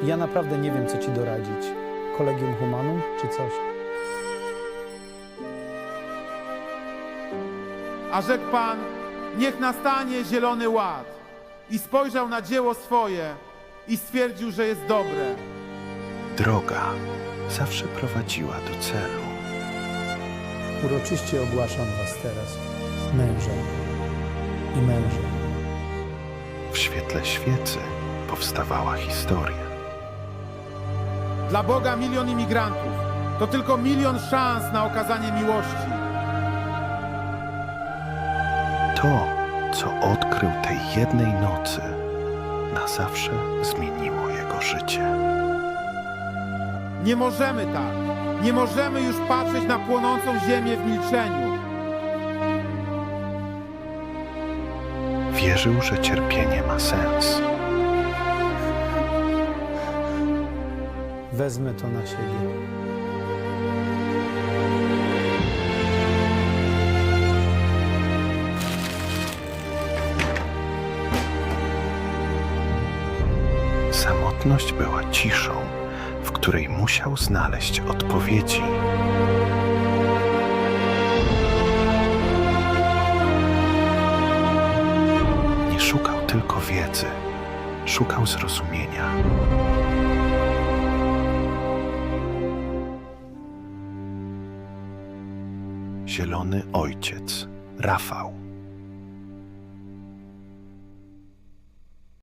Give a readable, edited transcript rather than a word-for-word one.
Ja naprawdę nie wiem, co ci doradzić. Collegium Humanum czy coś? A rzekł Pan, niech nastanie zielony ład. I spojrzał na dzieło swoje i stwierdził, że jest dobre. Droga zawsze prowadziła do celu. Uroczyście ogłaszam was teraz mężem i mężem. W świetle świecy powstawała historia. Dla Boga 1 000 000 imigrantów to tylko 1 000 000 szans na okazanie miłości. To, co odkrył tej jednej nocy, na zawsze zmieniło jego życie. Nie możemy tak. Nie możemy już patrzeć na płonącą ziemię w milczeniu. Wierzył, że cierpienie ma sens. Wezmę to na siebie. Samotność była ciszą, w której musiał znaleźć odpowiedzi. Nie szukał tylko wiedzy, szukał zrozumienia. Zielony Ojciec, Rafał.